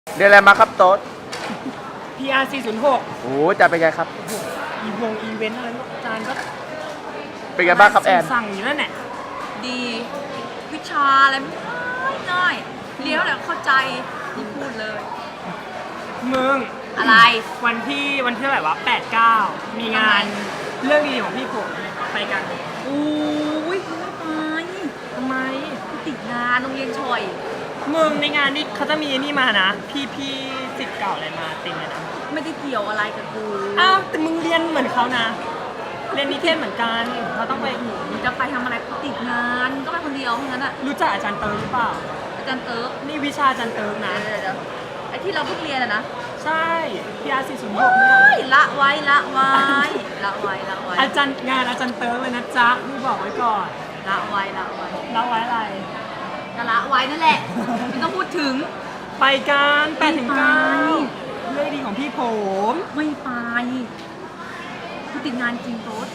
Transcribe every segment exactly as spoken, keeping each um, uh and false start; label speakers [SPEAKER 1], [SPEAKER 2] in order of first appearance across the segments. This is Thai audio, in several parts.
[SPEAKER 1] เรียนอะไรมาครับโต๊ด
[SPEAKER 2] พี อาร์ สี่ศูนย์หก
[SPEAKER 1] โอ้จะเป็นไงครับ
[SPEAKER 2] อีวงอีเวนต์อะไรพวกอาจารย์ก็
[SPEAKER 1] เป็นไงบ้างครับแอน
[SPEAKER 2] สั่งอยู่นั่นแหละ
[SPEAKER 3] ดีวิชาอะไรไม่ง่ายเลี้ยวแล้วเข้าใจที่พูดเลย
[SPEAKER 2] มึง
[SPEAKER 3] อะไร
[SPEAKER 2] วันที่วันที่เท่าไหร่วะแปดเก้ามีงานเรื่องดีของพี่ผมไปกัน
[SPEAKER 3] อู้ยไม่ไป
[SPEAKER 2] ทำไม
[SPEAKER 3] ติดงานโรงเรียนชอย
[SPEAKER 2] มึงในงานนี้เขาจะมีนี่มานะ พี่พี่สิทธิ์เก่าอะไรมาเต็มเลยนะ
[SPEAKER 3] ไม่ได้เกี่ยวอะไรกับกู
[SPEAKER 2] อ้าวแต่มึงเรียนเหมือนเขานะ เรียนนิเทศเหมือนกันเขาต้องไป
[SPEAKER 3] มึงจะไปทำอะไรกูติดงานมึงก็ไปคนเดียวเพราะงั้นอ่ะ
[SPEAKER 2] รู้จักอาจารย์เติร์กหรือเปล่า
[SPEAKER 3] อาจารย์เติร์ก
[SPEAKER 2] นี่วิชาอาจารย์เติร์กนะ
[SPEAKER 3] เดี๋ยวเดี๋ยวไอ้ที่เราเพิ่งเรียนอะนะ
[SPEAKER 2] ใช่ พี อาร์ สี่ศูนย์หกเนี่ย
[SPEAKER 3] เฮ้ยละไว้ละไว้ละไว้ละไว้
[SPEAKER 2] อาจารย์งานอาจารย์เติร์กเลยนะจ๊ะพี่บอกไว้ก่อน
[SPEAKER 3] ละไว้ละไว้
[SPEAKER 2] แล้วไว้อะไร
[SPEAKER 3] ก็ละไว้นั่นแหละไม่ต้องพูดถึง
[SPEAKER 2] ไปกันแปดถึงเก้า
[SPEAKER 3] ไม่ไป
[SPEAKER 2] เรื่องดีของพี่ผม
[SPEAKER 3] ไม่ไปกูติดงานจริงโต๊ด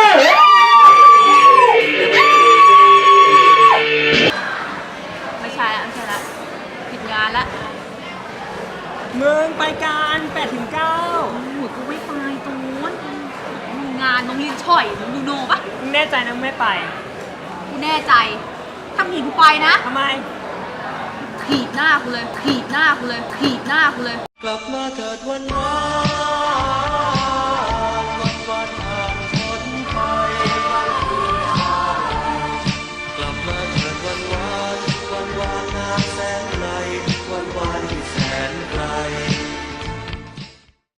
[SPEAKER 3] ไม่ใช่ละไม่ใช่ละติดงานละ
[SPEAKER 2] เมืองไปกันแปดถึงเก้า
[SPEAKER 3] โอ้โหกูไม่ไปโต๊ดมีงานโรงเรียนช่อยมึงดูโนปะ
[SPEAKER 2] มึงแน่ใจนะมึงไม่ไป
[SPEAKER 3] กูแน่ใจถ้าหนีกูไปนะ
[SPEAKER 2] ทำไม
[SPEAKER 3] ถีบหน้ากูเลยถีบหน้ากูเลยถีบหน้ากูเลย
[SPEAKER 4] กลับมาเถิดวันวาน